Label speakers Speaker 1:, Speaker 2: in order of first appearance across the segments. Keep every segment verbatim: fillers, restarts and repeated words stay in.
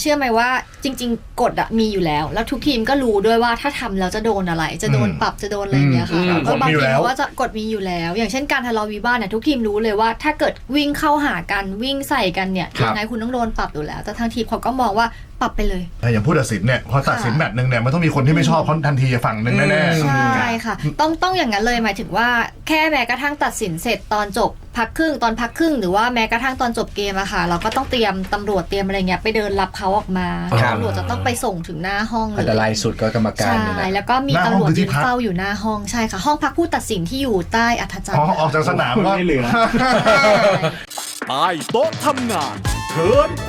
Speaker 1: ชื่อไหมว่าจริงๆกฎอะมีอยู่แล้วแล้วทุกทีมก็รู้ด้วยว่าถ้าทำแล้วจะโดนอะไรจะโดนปรับจะโดนอะไรอย่างเงี้ยค่ะก็บางทีว่าจะกฎมีอยู่แล้วอย่างเช่นการทะเลาะวิวาทเนี่ยทุกทีมรู้เลยว่าถ้าเกิดวิ่งเข้าหากันวิ่งใส่กันเนี่ยยังไงคุณต้องโดนปรับอยู่แล้วแต่ทางทีมเขาก็มองว่าปรับไปเลย
Speaker 2: อย่างผู้ตัดสินเนี่ยพอตัดสินแมตช์นึงเนี่ยมันต้องมีคนที่ไม่ชอบเขาทันทีฝั่งนึงแน่
Speaker 1: ๆใช่ค่ะต้องต้องอย่างนั้นเลยหมายถึงว่าแค่แม้กระทั่งตัดสินเสร็จตอนจบพักครึ่งตอนพักครึ่งหรือว่าแม้กระทั่งตอนจบเกมอะค่ะเราก็ต้องเตรียมตำรวจเตรียมอะไรเงี้ยไปเดินรับเขาออกมาตำรวจจะต้องไปส่งถึงหน้าห้องเลย
Speaker 3: อันตรายสุดก็กรรมการ
Speaker 1: ใช่แล้วก็มีตำรวจยืนเฝ้าอยู่หน้าห้องใช่ค่ะห้องพักผู้ตัดสินที่อยู่ใต้อัฐจันทร์
Speaker 2: ออกจากสนามก็
Speaker 4: ไม่เหลือใต้โต๊ะทำงานเทิร์นโปร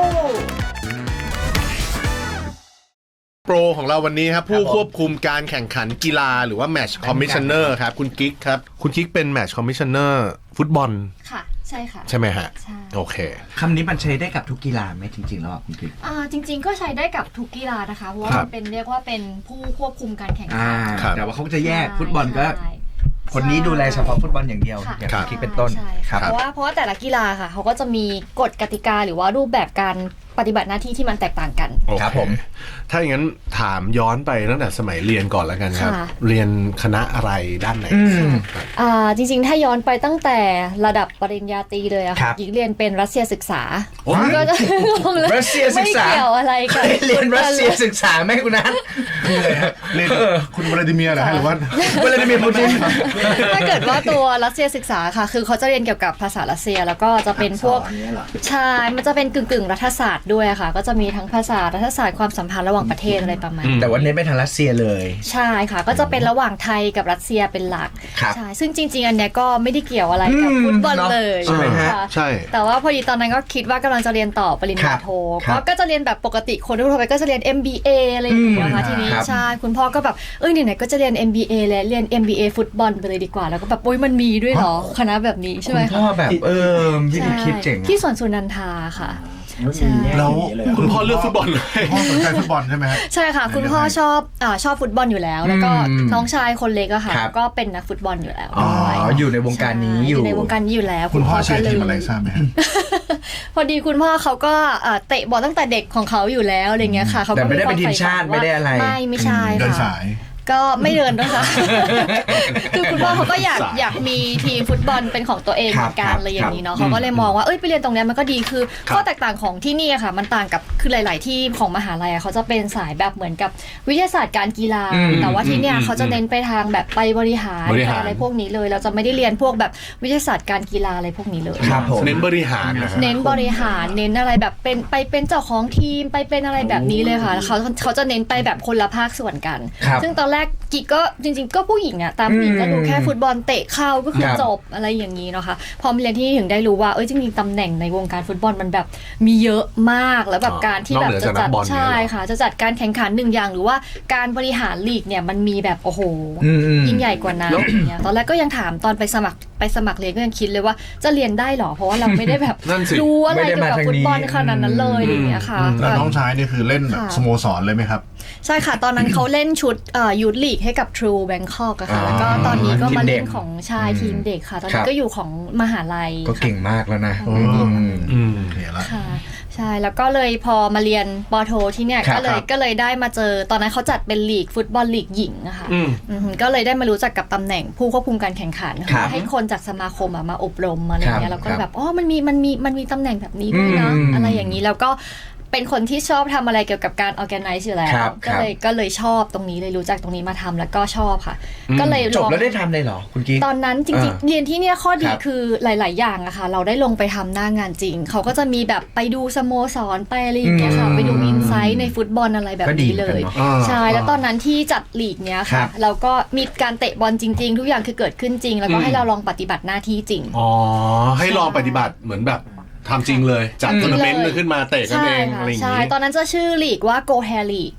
Speaker 5: โปรของเราวันนี้ครับผู้ควบคุมการแข่งขันกีฬาหรือว่าแมตช์คอมมิชชันเนอร์ครับคุณกิ๊กครับคุณกิ๊กเป็นแมตช์คอมมิชชันเนอร์ฟุตบอล
Speaker 1: ค่ะใช่ค่ะ
Speaker 5: ใช่ไหมฮะ
Speaker 1: ใช่
Speaker 5: โอเค
Speaker 3: คำนี้มันใช้ได้กับทุกกีฬาไหมจริงๆแล้วคุณกิ๊ก
Speaker 1: อ่าจริงๆก็ใช้ได้กับทุกกีฬานะคะเพราะว่ามันเป็นเรียกว่าเป็นผู้ควบคุมการแข่งขัน
Speaker 3: แต่ว่าเขาจะแยกฟุตบอลก็คนนี้ดูแลเฉพาะฟุตบอลอย่างเดียวอย่างที่คิดเป็นต้น
Speaker 1: เพราะว่าเพราะว่าแต่ละกีฬาค่ะเขาก็จะมีกฎกติกาหรือว่ารูปแบบการปฏิบัติหน้าที่ที่มันแตกต่างกัน
Speaker 5: ครับผมถ้าอย่างนั้นถามย้อนไปตั้งแต่สมัยเรียนก่อนแล้วกันครับเรียนคณะอะไรด้านไหน
Speaker 1: อ่าจริงๆถ้าย้อนไปตั้งแต่ระดับปริญญาตรีเลยอะค่ะหญิงเรียนเป็นรัสเซียศึกษาก็จะ
Speaker 3: รัสเซียศึกษา
Speaker 1: ไม่เกี่ยวอะไรกัน
Speaker 3: เรียนรัสเซียศึกษาไหมคุณนัท
Speaker 2: เรียนคุณวลาดิเมียร์เหรอหรือว่าว
Speaker 3: ลาดิเมียร์ปูติน
Speaker 1: ถ้าเกิดว่าตัวรัสเซียศึกษาค่ะคือเขาจะเรียนเกี่ยวกับภาษารัสเซียแล้วก็จะเป็นพวกใช่มันจะเป็นกึ่งๆรัฐศาสตร์ด้วยค่ะก็จะมีทั้งภาษารัฐศาสตร์ความสัมพันธ์ระหว่างประเทศอะไรประมาณ
Speaker 3: แต่ว่าเน้นไปทางรัสเซียเลย
Speaker 1: ใช่ค่ะก็จะเป็นระหว่างไทยกับรัสเซียเป็นหลักใช่ซึ่งจริงๆอันเนี้ยก็ไม่ได้เกี่ยวอะไรกับฟุตบอลเลย
Speaker 5: ใช่ไหมฮะใช่
Speaker 1: แต่ว่าพอดีตอนนั้นก็คิดว่ากำลังจะเรียนต่อปริญญาโทก็จะเรียนแบบปกติคนทั่วไปก็จะเรียน เอ็ม บี เอ อะไรอย่างเงี้ยค่ะทีนี้ใช่คุณพ่อก็แบบเอ้ยไหนๆก็จะเรียน เอ็ม บี เอ แล้วเรียน เอ็ม บี เอ ฟุตบอลไปเลยดีกว่าแล้วก็แบบโอ๊ยมันมีด้วยเหรอคณะแบบนี้ใช่ไหม
Speaker 3: คุณพ่อแบบเออวิธีคิดเจ๋ง
Speaker 1: ที่สวนสุนันทาค่ะ
Speaker 2: แล้ว
Speaker 5: คุณพ่อเลือกฟุตบอลเลย
Speaker 2: พ่อสนใจฟุตบอลใช่ไหม
Speaker 1: ใช่ค่ะคุณพ่อชอบอ่าชอบฟุตบอลอยู่แล้วแล้วก็น้องชายคนเล็กอะค่ะก็เป็นนักฟุตบอลอยู่แล้ว
Speaker 3: อ๋ออยู่ในวงการนี้อยู่
Speaker 1: ในวงการนี้อยู่แล้ว
Speaker 2: คุณพ่อเชียร์ทีมอะไรทราบไหม
Speaker 1: พอดีคุณพ่อเขาก็เตะบอลตั้งแต่เด็กของเขาอยู่แล้วอะไรเงี้ยค่ะเขา
Speaker 3: แต่ไม่ได้เป็นทีมชาติไม่ได้อะไร
Speaker 1: ไม่ไม่ใช่ค่ะ
Speaker 2: เดินสาย
Speaker 1: ก็ไม่เดินด้วยค่ะคือคุณพ่อเขาก็อยากอยากมีทีมฟุตบอลเป็นของตัวเองเหมือนกันอะไรอย่างนี้เนาะเขาก็เลยมองว่าเอ้ยไปเรียนตรงนี้มันก็ดีคือข้อแตกต่างของที่นี่ค่ะมันต่างกับคือหลายๆที่ของมหาลัยเขาจะเป็นสายแบบเหมือนกับวิทยาศาสตร์การกีฬาแต่ว่าที่เนี่ยเขาจะเน้นไปทางแบบไปบริหารอะไรพวกนี้เลยเราจะไม่ได้เรียนพวกแบบวิทยาศาสตร์การกีฬาอะไรพวกนี้เลย
Speaker 5: เน้นบริหาร
Speaker 1: เน้นบริหารเน้นอะไรแบบเป็นไปเป็นเจ้าของทีมไปเป็นอะไรแบบนี้เลยค่ะเขาเขาจะเน้นไปแบบคนละภาคส่วนกันซึ่งตอนแรกกิ๊กก็จริงๆก็ผู้หญิงอะตามผู้หญิงก็ดูแค่ฟุตบอลเตะเข้าก็คือจบอะไรอย่างนี้เนาะค่ะพอมาเรียนที่ถึงได้รู้ว่าเอ้ยจริงๆตำแหน่งในวงการฟุตบอลมันแบบมีเยอะมากแล้วแบบการที่แบบจะจัดใช่ค่ะจะจัดการแข่งขันหนึ่งอย่างหรือว่าการบริหารลีกเนี่ยมันมีแบบโอ้โหยิ่งใหญ่กว่านั้นอย่างเงี้ยตอนแรกก็ยังถามตอนไปสมัครไปสมัครเรียนก็ยังคิดเลยว่าจะเรียนได้หรอเพราะว่าเราไม่ได้แบบรู้อะไรเกี่ยวกับฟุตบอลขนาดนั้นเลยอย่างเงี้ยค่ะ
Speaker 2: แล้วน้องชายนี่คือเล่นแบบสโมสรเลยไหมครับ
Speaker 1: ใช่ค่ะตอนนั้นเขาเล่นชุดยูทลีกให้กับ True Bangkok อะค่ะแล้วก็ตอนนี้ก็มาเล่นของชายทีมเด็กค่ะตอนนี้ก็อยู่ของมหาลัย
Speaker 3: ก็เก่งมากแล้วนะ
Speaker 2: อืมเห็นแล้ว
Speaker 1: ค่ะใช่แล้วก็เลยพอมาเรียนปโทที่เนี่ยก็เลยก็เลยได้มาเจอตอนนั้นเขาจัดเป็นลีกฟุตบอลลีกหญิงอะค่ะก็เลยได้มารู้จักกับตำแหน่งผู้ควบคุมการแข่งขันให้คนจากสมาคมมาอบรมอะไรเงี้ยแล้วก็แบบอ๋อมันมีมันมีมันมีตำแหน่งแบบนี้ด้วยนะอะไรอย่างนี้แล้วก็เป็นคนที่ชอบทำอะไรเกี่ยวกับการ organize อยู่แล้วก็เลยก็เลยชอบตรงนี้เลยรู้จักตรงนี้มาทำแล้วก็ชอบค่ะก็เลย
Speaker 3: จบแล้วได้ทำเลยเหรอคุณกิ๊ก
Speaker 1: ตอนนั้นจริงๆเรียนที่เนี่ยข้อดีคือหลายๆอย่างอะค่ะเราได้ลงไปทำหน้างานจริงเขาก็จะมีแบบไปดูสโมสรไปอะไรอย่างเงี้ยค่ะไปดูอินไซต์ในฟุตบอลอะไรแบบนี้เลยใช่แล้วตอนนั้นที่จัดลีกเนี้ยค่ะเราก็มีการเตะบอลจริงๆทุกอย่างคือเกิดขึ้นจริงแล้วก็ให้เราลองปฏิบัติหน้าที่จริง
Speaker 5: อ๋อให้ลองปฏิบัติเหมือนแบบทำจริงเลยจัดทัวร์นาเมนต์ขึ้นมาเตะกันเองอะไรอย่างงี้
Speaker 1: ใช่ตอนนั้นจะชื่อลีกว่า Go Hair League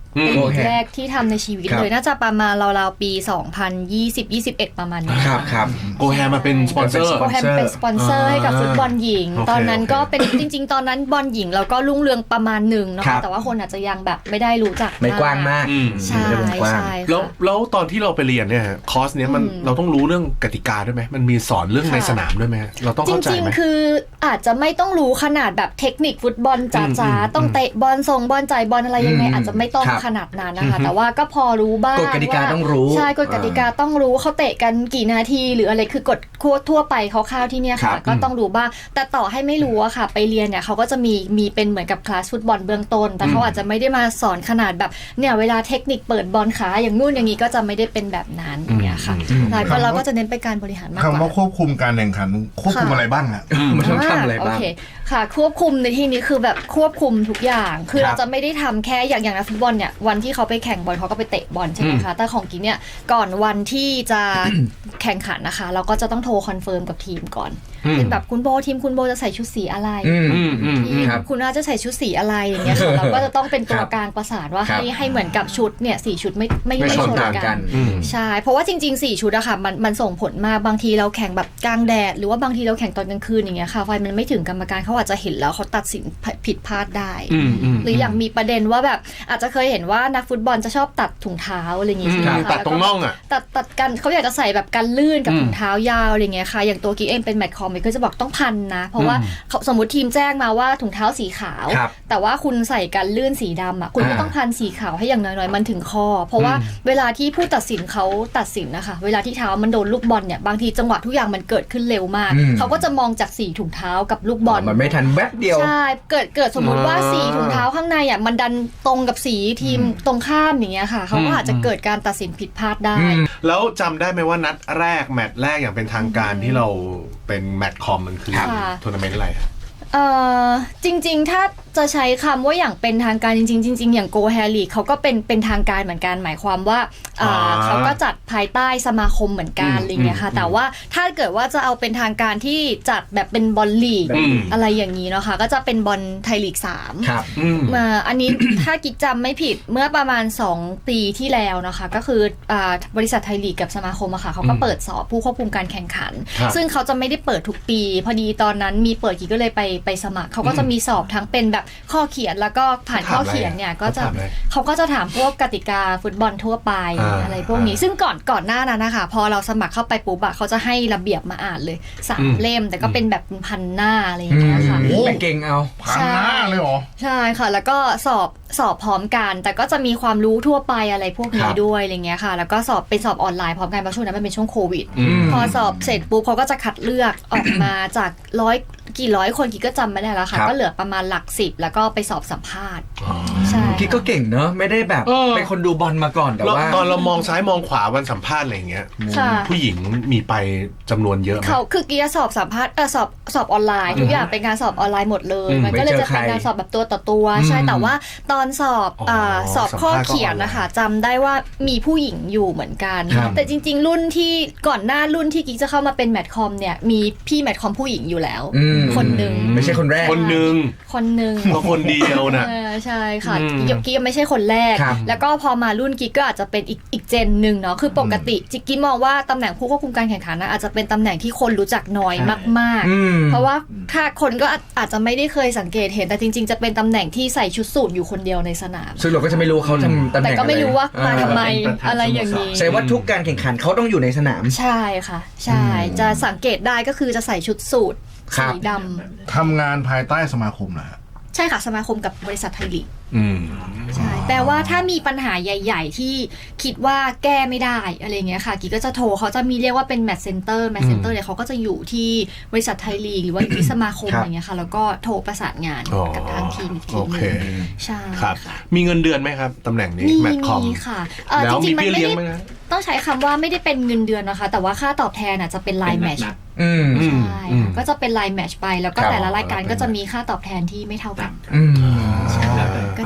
Speaker 1: เป็น
Speaker 3: โอ
Speaker 1: ลี
Speaker 3: เค
Speaker 1: กแรกที่ทำในชีวิต
Speaker 3: ครับ
Speaker 1: เลยน่าจะประมาณราวๆปีสองพันยี่สิบ ยี่สิบเอ็ดประมาณนี้
Speaker 3: ครับครับ
Speaker 5: โกแฮมาเป็นสปอนเซอร์
Speaker 1: โกแฮมเป็นสปอนเซอร์ให้กับฟุตบอลหญิง
Speaker 5: โอเค
Speaker 1: ตอนนั้น
Speaker 5: โอเค
Speaker 1: ก็เป็นจริง ๆ ตอนนั้นบอลหญิงเราก็รุ่งเรืองประมาณหนึ่งนะ
Speaker 3: ครั
Speaker 1: คะ
Speaker 3: บ
Speaker 1: แต่ว่าคนอาจจะยังแบบไม่ได้รู้จัก
Speaker 3: ไม่กว้างมาก
Speaker 5: อืม
Speaker 1: ใช่
Speaker 3: ไม่ได้วงกว้าง
Speaker 1: ใช่
Speaker 5: แล้ว
Speaker 1: ค่ะ
Speaker 5: แล้วตอนที่เราไปเรียนเนี่ยฮะคอร์สเนี้ยมัน
Speaker 1: อืม
Speaker 5: เราต้องรู้เรื่องกติกาด้วยไหมมันมีสอนเรื่อง
Speaker 1: ค่ะ
Speaker 5: ในสนามด้วยไหมฮะเราต้อง
Speaker 1: จ
Speaker 5: เข้าใจ
Speaker 1: ริง
Speaker 5: ไหม
Speaker 1: ๆ คืออาจจะไม่ต้องรู้ขนาดแบบเทคนิคฟุตบอลจ๋า
Speaker 5: อืม
Speaker 1: ๆต้องเตะบอลส่งบอลจ่ายบอลอะไรยังไง
Speaker 3: อืม
Speaker 1: อาจจะไม่ต้อง
Speaker 3: ครับ
Speaker 1: ขนาดนั้นนะคะ แต่ว่าก็พอรู้บ้าง
Speaker 3: กฎกติกา
Speaker 1: ว่
Speaker 3: ต้องรู้
Speaker 1: ใช่กฎกติกาต้องรู้เขาเตะกันกี่นาที หรืออะไรคือกฎทั่วไปคร่าวๆที่เนี่ย
Speaker 3: ครั
Speaker 1: ค่ะ
Speaker 3: บ
Speaker 1: ก็ต้องรู้บ้างแต่ต่อให้ไม่รู้อะค่ะ ไปเรียนเนี่ยเขาก็จะมีมีเป็นเหมือนกับคลาสฟุตบอลเบื้องต้น แต่เขาอาจจะไม่ได้มาสอนขนาดแบบเนี่ยเวลาเทคนิคเปิดบอลขาอย่างนู่นอย่างนี้ก็จะไม่ได้เป็นแบบนั้นอย่างเงี้ยค่ะ
Speaker 3: อืม
Speaker 1: ใช่ก็เราก็จะเน้นไปการบริหารมากก
Speaker 2: คำว่า
Speaker 1: ว่า
Speaker 2: ควบคุมการแข่งขันควบคุม
Speaker 1: ค่ะ
Speaker 2: อะไรบ้างอ่ะ
Speaker 3: มันต้องทำอะไรบ้าง
Speaker 1: โอเคค่ะควบคุมในที่นี้คือแบบควบคุมทุกอย่าง คือ
Speaker 3: ครั
Speaker 1: เรา
Speaker 3: บ
Speaker 1: จะไม่ได้ทำแค่อย่างอย่างนักฟุตบอลเนี่ยวันที่เขาไปแข่งบอลเขาก็ไปเตะบอลใช่ไหมคะแต่ของกิ๊กเนี่ยก่อนวันที่จะ แข่งขันนะคะ เราก็จะต้องโทรคอนเฟิร์มกับทีมก่อน
Speaker 5: อืม
Speaker 1: เป็นแบบคุณโบทีมคุณโบจะใส่ชุดสีอะไร
Speaker 3: อืม
Speaker 5: อืมอืม
Speaker 1: ทีม
Speaker 3: ครับ
Speaker 1: คุณน่าจะใส่ชุดสีอะไรอย่างเงี้ยค่ะเราก็จะต้องเป็นตัว
Speaker 3: ครับ
Speaker 1: กลางประสานว่า
Speaker 3: ครับ
Speaker 1: ให้ให้เหมือนกับชุดเนี่ยสี่ชุดไม่ไม่
Speaker 3: ไม่
Speaker 1: ไม่
Speaker 3: ช
Speaker 1: ช
Speaker 3: น
Speaker 1: น
Speaker 3: ต่าง
Speaker 1: กั
Speaker 3: กัน
Speaker 1: น
Speaker 5: อืม
Speaker 1: ใช่ เพราะว่าจริงๆ สี่ ชุดอะค่ะมันมันส่งผลมากบางทีเราแข่งแบบกลางแดด หรือว่าบางทีเราแข่งตอนกลางคืนอย่างเงี้ยค่ะไฟมันไม่ถึงกรรมการเขาอาจจะเห็นแล้วเขาตัดสินผิดพลาดได้
Speaker 5: อืมอืม
Speaker 1: หรืออย่างมีประเด็นว่าแบบอาจจะเคยเห็นว่านักฟุตบอลจะชอบตัดถุงเท้าอะไรอย่างงี้ใช่ไหม
Speaker 5: อืม
Speaker 1: คะ
Speaker 5: ตัดตรงน่องอะ
Speaker 1: ตัดตัดกันเขาอยากจะใส่แบบกันลื่นกับ
Speaker 5: อืม
Speaker 1: ถุงเท้ายาวอะไรเงี้ยค่ะอย่างตัวกิ๊กเองเป็นแมตช์คอมก็จะบอกต้องพันนะเพราะว่าเขาสมมติทีมแจ้งมาว่าถุงเท้าสีขาว
Speaker 3: ครับ
Speaker 1: แต่ว่าคุณใส่กันลื่นสีดำอ่ะคุณก็
Speaker 3: อ่า
Speaker 1: ต้องพันสีขาวให้อย่างน้อยๆมันถึงคอเพราะว่าเวลาที่ผู้ตัดสินเขาตัดสินนะคะเวลาที่เท้ามันโดนลูกบอลเนี่ยบางทีจังหวะทุกอย่างมันเกิดขึ้นเร็วมาก
Speaker 3: อืม
Speaker 1: เขาก็จะมองจากสีถุงเท้ากับลูกบอล
Speaker 3: มันไม่ทันแวบเดียว
Speaker 1: ใช่เกิดเกิดสมมุติว่า
Speaker 5: อ่า
Speaker 1: สีถุงเท้าข้างในอ่ะมันดันตรงกับสีทีมตรงข้ามอย่างเงี้ยค่ะเขาก็
Speaker 5: อืม
Speaker 1: อาจจะเกิดการตัดสินผิดพลาดได้
Speaker 3: อืม
Speaker 5: แล้วจำได้ไหมว่านัดแรกแมตช์แรกอย่างเป็นทางการที่เราเป็นแมตช์คอมมันคือ
Speaker 1: ค่ะ
Speaker 5: ทัวร์นาเมนต์อะไรฮะ
Speaker 1: เอ่อจริงๆ ถ้าจะใช้คำว่าอย่างเป็นทางการจริงๆจริงๆ อย่าง Go Hair League เขาก็เป็นเป็นทางการเหมือนกันหมายความว่าอ่า
Speaker 5: อ่า
Speaker 1: เขาก็จัดภายใต้สมาคมเหมือนกัน
Speaker 5: อืม
Speaker 1: อะไรเงี้ยค่ะ
Speaker 5: อืม
Speaker 1: แต่ว่าถ้าเกิดว่าจะเอาเป็นทางการที่จัดแบบเป็นบอลลีก
Speaker 5: อืม
Speaker 1: อะไรอย่างนี้เนาะค่ะก็จะเป็นบอลไทยลีกสาม
Speaker 3: ครับ
Speaker 5: อืม
Speaker 1: มาอันนี้ ถ้ากิ๊กจำไม่ผิดเมื่อประมาณสองปีที่แล้วนะคะก็คืออ่าบริษัทไทยลีกกับสมาคมอะค่ะเขาก็
Speaker 5: อืม
Speaker 1: เปิดสอบผู้ควบคุมการแข่งขัน
Speaker 5: ครับ
Speaker 1: ซึ่งเขาจะไม่ได้เปิดทุกปี พอดีตอนนั้นมีเปิดกิ๊กก็เลยไปไปสมัครเขาก็จะมีสอบทั้งเป็นแบบข้อเขียนแล้วก็ผ่านข้อเขียนเนี่ยก็จะ
Speaker 5: เขาถามอะไร
Speaker 1: เขาก็จะถามพวกกติกาฟุตบอลทั่วไป
Speaker 5: อ่า
Speaker 1: อะไรพวกนี้ ซึ่งก่อนก่อนหน้านั้นนะคะพอเราสมัครเข้าไปปุ๊บอะเขาจะให้ระเบียบมาอ่านเลยสาม
Speaker 5: อืม
Speaker 1: เล่มแต่ก็เป็นแบบพันหน้าอะไรอย่างเงี้ยค่ะ
Speaker 2: โอ้
Speaker 3: ไปเก่งเอา
Speaker 2: ผ่านหน้าเลยเหรอ
Speaker 1: ใช่ค่ะ แล้วก็สอบสอบพร้อมกัน แต่ก็จะมีความรู้ทั่วไปอะไรพวก
Speaker 3: ค
Speaker 1: นี้
Speaker 3: รับ
Speaker 1: ด้วยอะไรเงี้ยค่ะ แล้วก็สอบเป็นสอบออนไลน์พร้อมกันเพราะช่วงนั้นมันเป็นช่วงโควิด
Speaker 5: อืม
Speaker 1: พอสอบเสร็จปุ๊บเขาก็จะคัดเลือกออกมาจากร้อยกี่ร้อยคนกี่ก็จำไม่ได้แล้วค่ะ
Speaker 3: ครับ
Speaker 1: ก็เหลือประมาณหลักสิบแล้วก็ไปสอบสัมภาษณ์ใช่
Speaker 3: กิ๊กก็เก่งเนอะไม่ได้แบบ
Speaker 5: เออ
Speaker 3: เป็นคนดูบอลมาก่อนแต่
Speaker 5: แล้ว
Speaker 3: ว่า
Speaker 5: ตอนเรามองซ้ายมองขวาวันสัมภาษณ์อะไรอย่างเงี้ย
Speaker 1: ค่ะ
Speaker 5: ผู้หญิงมีไปจำนวนเยอะไหม
Speaker 1: เขาคือกี้สอบสัมภาษณ์เออสอบสอบออนไลน์ทุกอย่างเป็นการสอบออนไลน์หมดเลย
Speaker 5: อืม
Speaker 1: มันก็เลย
Speaker 3: ไม่เจอ
Speaker 1: จะเป็น
Speaker 3: ใคร
Speaker 1: การสอบแบบตัวต่อตัว
Speaker 3: อืม
Speaker 1: ใช่แต่ว่าตอนสอบ
Speaker 5: อ๋อ
Speaker 1: าสอบข้อ
Speaker 5: สัมภาษณ์ก็
Speaker 1: เขียนนะคะจำได้ว่ามีผู้หญิงอยู่เหมือนกัน
Speaker 3: ครับ
Speaker 1: แต่จริง ๆ รุ่นที่ก่อนหน้ารุ่นที่กิ๊กจะเข้ามาเป็นแมทคอมเนี่ยมีพี่แมทคอมผู้หญิงอยู่แล้ว
Speaker 3: อืม
Speaker 1: คนหนึ่ง
Speaker 3: ไม่ใช่คนแรก
Speaker 5: คนหนึ่ง
Speaker 1: คนหนึ่ง
Speaker 5: ก็คนเดียวนะ
Speaker 1: เออใช่ค่ะ
Speaker 5: อืม
Speaker 1: กิ๊กกิ๊กไม่ใช่คนแรก
Speaker 3: ครับ
Speaker 1: แล้วก็พอมารุ่นกิ๊กก็อาจจะเป็นอีกอีกเจนหนึ่งเนาะคือปกติจิ๊กกิ๊กมองว่าตำแหน่งผู้ควบคุมการแข่งขันนะอาจจะเป็นตำแหน่งที่คนรู้จักน้อยมาก
Speaker 3: อืม
Speaker 1: ๆ เพราะว่าถ้าคนก็อาจอาจจะไม่ได้เคยสังเกตเห็นแต่จริง ๆ จะเป็นตำแหน่งที่ใส่ชุดสูทอยู่คนเดียวในสนาม
Speaker 3: ซึ่งเราก็จะไม่รู้เขาทำตำแห
Speaker 1: แต่
Speaker 3: น่ง
Speaker 1: ก็ไม่รู้ว่ามาทำไม
Speaker 3: เออ
Speaker 1: อะไรอย่างนี้
Speaker 3: แสดงว่าทุกการแข่งขันเขาต้องอยู่ในสนาม
Speaker 1: ใช่ค่ะ ใช่ จะสังเกตได้ก็คือจะใส่ชุดสูท
Speaker 3: ครั
Speaker 1: สี
Speaker 3: บ
Speaker 1: ด
Speaker 2: ทำงานภายใต้สมาคมนะฮะ
Speaker 1: ำใช่ค่ะสมาคมกับบริษัทไทยลีก
Speaker 5: อืม
Speaker 1: ใช่แปลว่าถ้ามีปัญหาใหญ่ ๆ ที่คิดว่าแก้ไม่ได้อะไรเงี้ยค่ะกิ๊กก็จะโทรเขาจะมีเรียกว่าเป็นแมทเซ็นเตอร์แมทเซ็นเตอร์เนี่ยเขาก็จะอยู่ที่บริษัทไทยลีกหรือว่าอยู่ที่สมาคม
Speaker 3: ครับ
Speaker 1: อะไรเงี้ยค่ะแล้วก็โทรประสานงาน
Speaker 5: อ๋อ
Speaker 1: กับทางทีมอีกที
Speaker 5: โอ
Speaker 1: หนึ
Speaker 5: เค
Speaker 1: งใช่
Speaker 5: ครับ
Speaker 1: ค่ะ
Speaker 5: มีเงินเดือนไหมครับตำแหน่งนี้
Speaker 1: มี
Speaker 5: แมตช์คอม
Speaker 1: มีค่ะเอ่อ
Speaker 5: แล้
Speaker 1: จ
Speaker 5: ว
Speaker 1: ริ
Speaker 5: มี
Speaker 1: งๆมัน
Speaker 5: เบี้ย
Speaker 1: ไม่
Speaker 5: เลี้ยง
Speaker 1: ได้
Speaker 5: ไหมนะ
Speaker 1: ต้องใช้คำว่าไม่ได้เป็นเงินเดือนนะคะ แต่ว่าค่าตอบแทนอ่ะจะเป็นไลน์แมทช์
Speaker 3: อืม
Speaker 5: อืม
Speaker 1: ใช่
Speaker 5: อืม
Speaker 1: ก็จะเป็นไลน์แมทช์ไปแล้วก็
Speaker 3: ครับ
Speaker 1: แต่ละรายการก็จะมีค่าตอบแทนที่ไม่เท่ากัน
Speaker 3: อืม
Speaker 1: ใช่ก็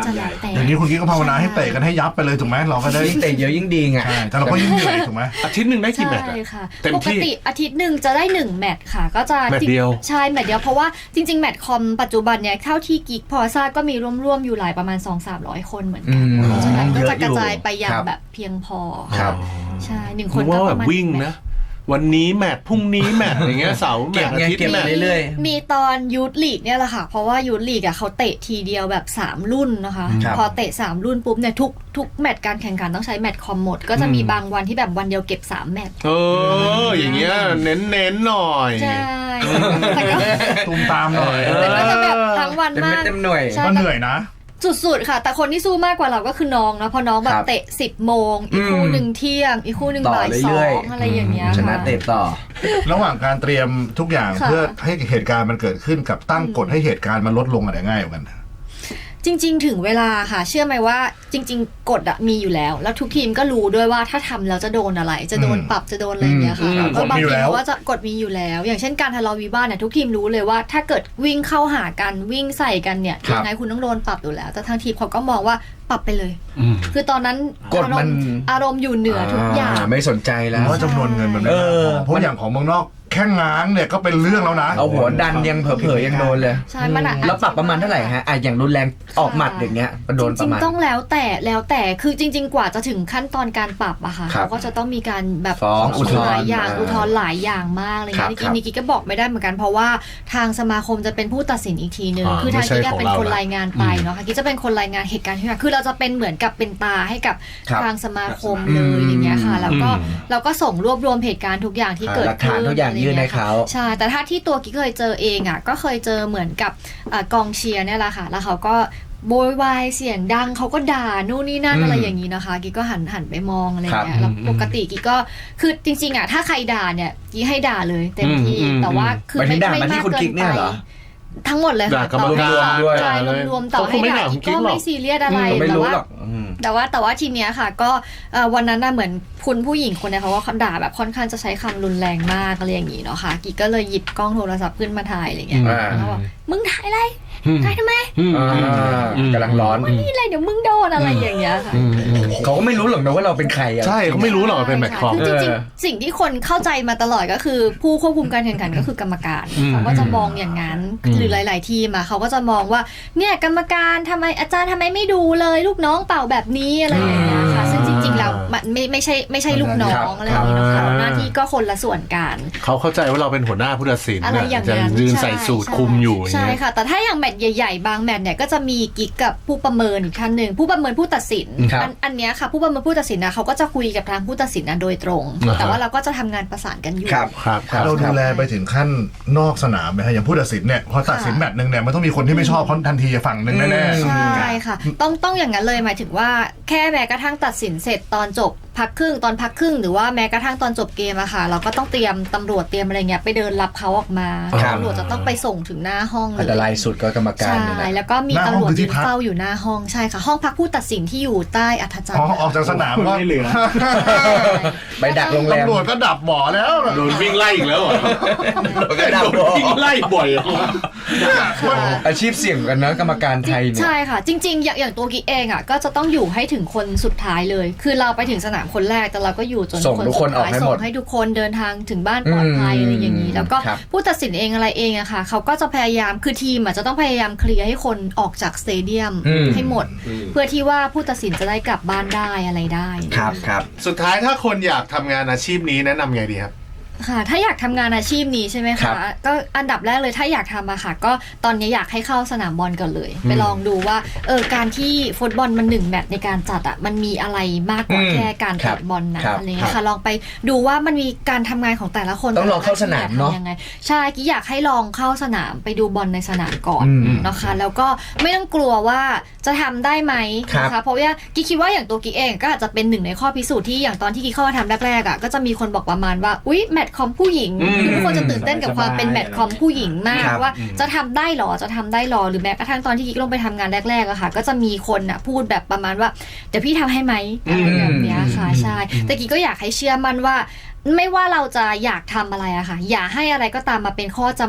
Speaker 1: จะแล้วแต่
Speaker 2: อย่างนี้คุณกิ๊กก็ภาวนาให้เตะกันให้ยับไปเลยถูกไหมเราก็ได้
Speaker 3: ยิ่งเตะเยอะยิ่งดีไง
Speaker 2: ใช่แต่เราก็ยิ่งเหนื่อยถูกไหม
Speaker 5: อาทิตย์หนึ่งได้กี่แมตช์
Speaker 1: ใช่
Speaker 5: อะ
Speaker 1: ค่ะ
Speaker 5: เต็ม
Speaker 1: ปก
Speaker 5: ที่
Speaker 1: ติอาทิตย์หนึ่งจะได้หนึ่งแมตช์ค่ะ ก็จะ
Speaker 5: แมตช์เดียว
Speaker 1: ใช่แมตช์เดียวเพราะว่าจริง ๆ แมตช์คอมปัจจุบันเนี่ยเท่าที่กิ๊กพอทราบก็มีร่วมๆอยู่หลายประมาณ สองถึงสามร้อย คนเหมือนกัน
Speaker 3: อืม
Speaker 1: เพราะฉะนั้นก็
Speaker 3: เยอะ
Speaker 1: จะกระจายไปอย่า
Speaker 3: ค
Speaker 1: ง
Speaker 3: รับ
Speaker 1: แบบเพียงพอ
Speaker 3: ครับ
Speaker 1: ใช่หนึ่งค
Speaker 5: นึ
Speaker 1: น
Speaker 5: กว่า
Speaker 1: ก็
Speaker 5: แบ
Speaker 1: ประ
Speaker 5: บ
Speaker 1: มาณ
Speaker 5: วิ่งนะ วันนี้แมตช์พรุ่งนี้แมตช์อย่างเงี้ยเสาร์แม
Speaker 3: เก็
Speaker 5: ต
Speaker 3: บ
Speaker 5: ช์อา
Speaker 3: ไง
Speaker 5: ทิตย์
Speaker 3: เก็บ
Speaker 5: แมตช์
Speaker 3: เรื่อย
Speaker 1: มีตอนยูทลีกเนี่ยแหละค่ะ เพราะว่ายูทลีกอ่ะเขาเตะทีเดียวแบบสามรุ่นนะคะ
Speaker 3: ครับ
Speaker 1: พอเตะสามรุ่นปุ๊บเนี่ยทุกทุกแมตช์การแข่งขันต้องใช้แมตช์คอมหมด ก็จะมีบางวันที่แบบวันเดียวเก็บสามแมตช์
Speaker 5: เออ อย่างเงี้ยเน้นเน้นๆหน่อย
Speaker 1: ใช่แต่ก็
Speaker 2: ตูมตามหน่อย
Speaker 1: แต่ก็จะแบบทั้งวัน
Speaker 3: เต็ม
Speaker 1: มา
Speaker 3: เม็ด
Speaker 1: ก
Speaker 3: เต็มหน่วย
Speaker 1: ใช่
Speaker 2: ก็เหนื่อยนะ
Speaker 1: สุดๆค่ะ แต่คนที่สู้มากกว่าเราก็คือน้องนะเพราะน้องแบ
Speaker 3: ค
Speaker 1: บ
Speaker 3: รับ
Speaker 1: เตะสิบโมงอีกคู่
Speaker 3: อืม
Speaker 1: หนึ่งเที่ยง อีกคู่หนึ่ง
Speaker 3: ต่อ
Speaker 1: บ่ายสอ
Speaker 3: เรื่อย
Speaker 1: งอะไรอย่างเงี้ย
Speaker 3: ชนะ
Speaker 1: ค่
Speaker 3: เตะต่อ
Speaker 2: ระหว่างการเตรียมทุกอย่าง
Speaker 1: ค่ะ
Speaker 2: เพื่อให้เหตุการณ์มันเกิดขึ้นกับตั้งกฎให้เหตุการณ์มันลดลงอะไรง่ายกว่ากัน
Speaker 1: จริง ๆ ถึงเวลาค่ะ เชื่อไหมว่าจริง ๆ กฎอะมีอยู่แล้ว แล้วทุกทีมก็รู้ด้วยว่าถ้าทำแล้วจะโดนอะไร จะโดน
Speaker 2: อืม
Speaker 1: ปรับจะโดนอะไรอย่างเงี้ยค่ะ
Speaker 5: อืม
Speaker 1: ก็บาง
Speaker 2: กฎมีอยู่
Speaker 1: ที
Speaker 2: แล้ว
Speaker 1: เขาว่าจะกฎมีอยู่แล้ว อย่างเช่นการทะเลาะวิวาทเนี่ยทุกทีมรู้เลยว่าถ้าเกิดวิ่งเข้าหากันวิ่งใส่กันเนี่ย
Speaker 3: ครับ
Speaker 1: ยังไงคุณต้องโดนปรับอยู่แล้ว แต่ทางทีมเขาก็มองว่าปรับไปเลย
Speaker 5: อืม
Speaker 1: คือตอนนั้น
Speaker 3: กฎ
Speaker 1: อาร
Speaker 3: มั
Speaker 1: ม
Speaker 3: น
Speaker 1: ณ์อารมณ์อยู่เหนือทุกอย่าง
Speaker 3: ไม่สนใจ
Speaker 2: เพ
Speaker 3: แล้ว
Speaker 2: ราะว่าจำนวนเงินมันไม่
Speaker 3: เอ
Speaker 2: มาก
Speaker 3: อ
Speaker 2: พอเพราะอย่างของเมืองนอกแค่ง้างเนี่ยก็เป็นเรื่องแล้วนะ
Speaker 3: เอาหัวดันยังเผลอๆยังโดนเลย
Speaker 1: ใช่มันอะ
Speaker 3: แล้วปรับประมาณเท่าไหร่ฮะอ่ะอย่างรุนแรงออกหมัดอย่างเงี้ยโดน
Speaker 1: จ
Speaker 3: ประ
Speaker 1: ริง
Speaker 3: มาณ
Speaker 1: ๆต้องแล้วแต่แล้วแต่คือจริง ๆ กว่าจะถึงขั้นตอนการปรับอะค่ะ
Speaker 3: ครับ
Speaker 1: เขาก็จะต้องมีการแบบ
Speaker 3: ฟ้องอุทธรณ์
Speaker 1: หลายอย่าง
Speaker 3: อ่า
Speaker 1: อุทธรณ์หลายอย่างมากอะไร
Speaker 3: ครั
Speaker 1: เงี้
Speaker 3: บ
Speaker 1: ยนิกกี้นิกกี้ก็บอกไม่ได้เหมือนกันเพราะว่าทางสมาคมจะเป็นผู้ตัดสินอีกทีนึง
Speaker 5: อ่า
Speaker 1: คือทาง
Speaker 5: ไม่ใช่
Speaker 1: กิ๊กอะ
Speaker 5: ของ
Speaker 1: เป็น
Speaker 5: เรา
Speaker 1: คน
Speaker 5: นะ
Speaker 1: รายงานไปเนาะค่ะกิ๊กจะเป็นคนรายงานเหตุการณ์ที่เกิดคือเราจะเป็นเหมือนกับเป็นตาให้กับ
Speaker 3: ครับ
Speaker 1: ทางสมาคมเลยอย่างเงี้ยค่ะแล้วก็
Speaker 5: อืม
Speaker 1: เราก็ส่งรวบรวมเหตุการณ์ทุกอย่างที่เกิด
Speaker 3: หลักฐาน
Speaker 1: ขึ้น
Speaker 3: ทุกอย่างยื่นให้เขา
Speaker 1: ใช่แต่ถ้าที่ตัวกิ๊กเคยเจอเองอ่ะก็เคยเจอเหมือนกับอ่ากองเชียร์เนี่ยแหละค่ะแล้วเขาก็โวยวายเสียงดังเขาก็ด่านู่นนี่นั่น
Speaker 3: อืม
Speaker 1: อะไรอย่างนี้นะคะกิ๊กก็หันหันไปมองอะไรอย่างเงี้
Speaker 3: ครั
Speaker 1: ย
Speaker 3: บ
Speaker 1: แล้วปกติกิ๊กก็คือจริงๆอ่ะถ้าใครด่าเนี่ยกิ๊กให้ด่าเลยเต็มที่
Speaker 5: อืม
Speaker 1: แต่ว่าคือ
Speaker 3: หมายถึ
Speaker 1: ไม่
Speaker 3: งด่า
Speaker 1: ไม่
Speaker 3: มาที่
Speaker 1: มาก
Speaker 3: คุณ
Speaker 1: เกิ
Speaker 3: กิ๊
Speaker 1: น
Speaker 3: ก
Speaker 1: ไป
Speaker 3: เนี่ยเหรอ
Speaker 1: ทั้งหมดเลยค่ะ
Speaker 5: ด่ากรรม
Speaker 1: ต่อให้
Speaker 5: การ
Speaker 1: ด่า
Speaker 3: ด้วย
Speaker 1: ใช่รวมๆต่อ
Speaker 5: เขาค
Speaker 1: ให้
Speaker 5: งไม่
Speaker 1: ด่า
Speaker 5: ด่าคุณกิ๊
Speaker 1: ก็
Speaker 5: กหรอก
Speaker 1: ไม่ซีเรียสอะไร
Speaker 3: ไม่
Speaker 1: แต่
Speaker 3: รู้
Speaker 1: ว่า
Speaker 3: หรอกอืม
Speaker 1: แต่ว่าแต่ว่าทีเนี้ยค่ะก็เอ่อวันนั้นน่ะเหมือนคุณผู้หญิงคนเนี้ยเขาว่าเขาด่าแบบค่อนข้างจะใช้คำรุนแรงมากอะไรอย่างงี้เนาะค่ะกิ๊กก็เลยหยิบกล้องโทรศัพท์ขึ้นมาถ่ายอะไรเงี้ย
Speaker 3: อ่า
Speaker 1: แล้วบอกมึงถ่ายอะไร
Speaker 5: อืม
Speaker 1: ถ่ายทำไม
Speaker 5: อืม
Speaker 3: อ่ากำลังร้อน
Speaker 1: นี่อะไรเดี๋ยวมึงโดนอะไรอย่างเงี้ยค่ะ
Speaker 5: อืมอืม
Speaker 3: เขาก็ไม่รู้หรอกนะว่าเราเป็นใครอะ
Speaker 5: ใช่เขาไม่รู้หรอกว่าเป็นแมตช์คอม
Speaker 1: คือจริง
Speaker 3: เออ
Speaker 1: ๆ สิ่งที่คนเข้าใจมาตลอดก็คือ ผู้ควบคุมการแข่งขันก็คือกรรมการ
Speaker 5: อืม
Speaker 1: เขาก็จะมองอย่างนั้น
Speaker 5: อืม
Speaker 1: หรือหลาย ๆ ทีมอะเขาก็จะมองว่าเนี่ยกรรมการทำไมอาจารย์ทำไมไม่ดูเลยลูกน้องเป่าแบบนี้อะไรอย่างเงี้ยค่ะซึ่งจริง ๆ แล้วมันไม่ไม่ใช่ไม่ใช่ลูกน้องอะไรอย่างเงี้ยนะคะหน้าที่ก็คนละส่วนกัน
Speaker 5: เขาเข้าใจว่าเราเป็นหัวหน้าผู้ตัดสิน
Speaker 1: อะไร
Speaker 5: น่ะ
Speaker 1: อย่าง
Speaker 5: จะ
Speaker 1: นั้น
Speaker 5: ยืนใส่สูทคุมอยู่อย่าง
Speaker 1: ใช่
Speaker 5: เงี้ย
Speaker 1: ค่ะ แต่ถ้าอย่างแมตช์ใหญ่ ๆ บางแมตช์เนี่ยก็จะมีกิ๊กกับผู้ประเมินอีกท่านหนึ่งผู้ประเมินผู้ตัดสิน
Speaker 3: ครับ
Speaker 1: อันอันเนี้ยค่ะผู้ประเมินผู้ตัดสินนะเขาก็จะคุยกับทางผู้ตัดสินนะโดยตรง
Speaker 5: อ่าฮะ
Speaker 1: แต่ว่าเราก็จะทำงานประสานกันอยู่
Speaker 3: ครับ
Speaker 5: ครับครับ
Speaker 2: เราดูแลไปถึงขั้นนอกสนามไหมฮะอย่างผู้ตัดสินเนี่ยพอตัดสินแมตช์หนึ่งเนี่ยมันต้องมีคนที่ไม่ชอบเขาทันทีฝั่งหนึ่งแน่
Speaker 3: อืม
Speaker 2: ๆ
Speaker 1: ใช่ค่ะ ต้องต้องอย่างนั้นเลยหมายถึงว่าแค่แม้กระทั่งตัดสินเสร็จตอนจบพักครึ่งตอนพักครึ่งหรือว่าแม้กระทั่งตอนจบเกมอะค่ะ เราก็ต้องเตรียมตำรวจเตรียมอะไรเงี้ยไปเดินรับเขาออกมา
Speaker 3: ครับ
Speaker 1: ตำรวจจะต้องไปส่งถึงหน้าห้องเล
Speaker 3: อันตรายสุดก็กรรมการ
Speaker 1: ใช่
Speaker 3: เนี่ยนะ
Speaker 1: แล้วก็มี
Speaker 2: หน้าห้อง
Speaker 1: ตำรวจ
Speaker 2: คือที่
Speaker 1: ยืน
Speaker 2: พัก
Speaker 1: เฝ้าอยู่หน้าห้องใช่ค่ะ ห้องพักผู้ตัดสินที่อยู่ใต้อัฐจัน
Speaker 2: พ
Speaker 1: ท
Speaker 2: อ
Speaker 1: ร์
Speaker 2: ออกจากสนามก็
Speaker 4: ไม่เหลือ
Speaker 3: ไปดักโรงแรม
Speaker 2: ตำรวจก็ดับบ่อแล้ว
Speaker 5: โดนวิ่งไล่อีกแล้วเหรอ
Speaker 3: ก็ดับ
Speaker 5: โดนวิ่งไล่บ่อยอะ
Speaker 3: อาชีพเสี่ยงกันนะกรรมการไทยเนี่ย
Speaker 1: ใช่ค่ะ จริง ๆ อย่างอย่างตัวกิ๊กเองอ่ะก็จะต้องอยู่ให้ถึงคนสุดท้ายเลย คือเราไปถึงสนามคนแรกแต่เราก็อยู่จน
Speaker 3: ส่งทุกคนออกให้หมด
Speaker 1: ส่งให้ทุกคนเดินทางถึงบ้านปลอดภัย
Speaker 3: อืม
Speaker 1: อะไรอย่างนี้ แล้วก็
Speaker 3: ครับ
Speaker 1: ผู้ตัดสินเองอะไรเองอะค่ะเขาก็จะพยายามคือทีมอะจะต้องพยายามเคลียร์ให้คนออกจากสเตเดียม
Speaker 3: อืม
Speaker 1: ให้หมด เพื่อที่ว่าผู้ตัดสินจะได้กลับบ้านได้อะไรได้
Speaker 3: ครับครับ
Speaker 5: สุดท้ายถ้าคนอยากทำงานอาชีพนี้แนะนำไงดีครับ
Speaker 1: ค่ะถ้าอยากทำงานอาชีพนี้ใช่ไหม
Speaker 3: ครั
Speaker 1: คะ
Speaker 3: บ
Speaker 1: ก็อันดับแรกเลยถ้าอยากทำอะค่ะ ก็ตอนนี้อยากให้เข้าสนามบอลก่อนเลย ไปลองดูว่าเออการที่ฟุตบอลมันหนึ่งแมตช์ในการจัดอะมันมีอะไรมากกว่า
Speaker 3: อืม
Speaker 1: แค่การ
Speaker 3: ครั
Speaker 1: เตะ
Speaker 3: บบ
Speaker 1: อลนะครับ อะไรเงี้
Speaker 3: ครั
Speaker 1: ย
Speaker 3: บ
Speaker 1: ค่ะลองไปดูว่ามันมีการทำงานของแต่ละคน
Speaker 3: ต้องลองเข้าสนามเนอะ
Speaker 1: ทำยังไงใช่กิ๊กอยากให้ลองเข้าสนามไปดูบอลในสนามก่อน
Speaker 3: อืม
Speaker 1: นะคะแล้วก็ไม่ต้องกลัวว่าจะทำได้ไหม
Speaker 3: ครับ
Speaker 1: นะคะเพราะว่ากิ๊กคิดว่าอย่างตัวกิ๊กเองก็อาจจะเป็นหนึ่งในข้อพิสูจน์ที่อย่างตอนที่กิ๊กเข้ามาทำแรกๆอะก็จะมีคนบอกประมาณว่าอุ๊ยแมตช์คอมผู้หญิง
Speaker 5: อืม
Speaker 1: คือทุกคนจะตื่นเต้นกับความเป็นแมตช์คอมผู้หญิงมาก
Speaker 3: ครับ
Speaker 1: ว่าจะทำได้หรอจะทำได้หรอหรือแม้กระทั่งตอนที่กิ๊กลงไปทำงานแรกๆอะค่ะ ก็จะมีคนอะพูดแบบประมาณว่าเดี๋ยวพี่ทำให้ไหมอะไรแบบเนี้ยค่ะใช่แต่กิ๊กก็อยากให้เชื่อมั่นว่า ไม่ว่าเราจะอยากทำอะไรอะค่ะ อย่าให้อะไรก็ตามมาเป็นข้อจำกัด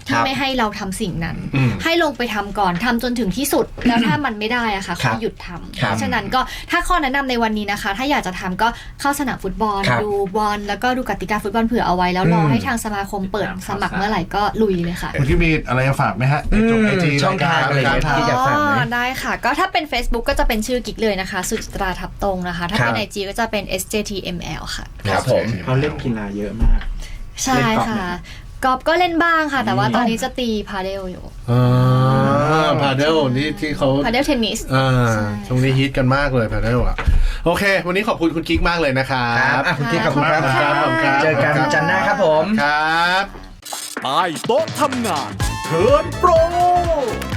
Speaker 1: ที่ไม่ให้เราทำสิ่งนั้น
Speaker 5: อืม
Speaker 1: ให้ลงไปทำก่อนทำจนถึงที่สุด แล้วถ้ามันไม่ได้อะค่ะ
Speaker 3: ครั
Speaker 1: ก็
Speaker 3: บ
Speaker 1: หยุดทำ
Speaker 3: ครับ
Speaker 1: เพราะฉะนั้นก็ถ้าข้อแนะนำในวันนี้นะคะ ถ้าอยากจะทำก็เข้าสนามฟุตบอล
Speaker 3: ครับ
Speaker 1: ดูบอลแล้วก็ดูกติกาฟุตบอลเผื่อเอาไว้แล้วรอ
Speaker 3: อืม
Speaker 1: ให้ทางสมาคมเปิดสมัครเมื่อไหร่ก็ลุยเลยค่ะ
Speaker 2: คุณที่มีอะไรจะฝากไหมฮะในจบไอจี
Speaker 3: ช่องทางอะไรอย่างเงี้ยที่อยากฝากไหม
Speaker 1: อ๋อได้ค่ะ ก็ถ้าเป็น Facebook ก็จะเป็นชื่อกิ๊กเลยนะคะ สุจิตราทับตรงนะคะ ถ้าเป็น
Speaker 3: ครับ
Speaker 1: ไอ จี ก็จะเป็น เอส เจ ที เอ็ม แอล ค่ะ
Speaker 3: ครับผม
Speaker 6: เขาเล่นกีฬาเยอะมาก
Speaker 1: ใช่ค่ะกอล์ฟก็เล่นบ้างค่ะ แต่ว่าตอนนี้จะตีพาเดลอยู่
Speaker 5: อ่าพาเดลนี่ที่เขา
Speaker 1: พาเดลเทนนิส
Speaker 5: อ่า
Speaker 1: ใช่
Speaker 5: ช่วงนี้ฮิตกันมากเลยพาเดลอ่ะโอเค วันนี้ขอบคุณคุณกิ๊กมากเลยนะครั
Speaker 3: ครับ บอ่ะคุณกิ๊กขอบคุณครับ
Speaker 5: ครับขอบคุณครับ
Speaker 3: เจอกันจันทร์หน้าครับผม
Speaker 5: ครับ
Speaker 4: ใต้โต๊ะทำงานเทิร์นโปร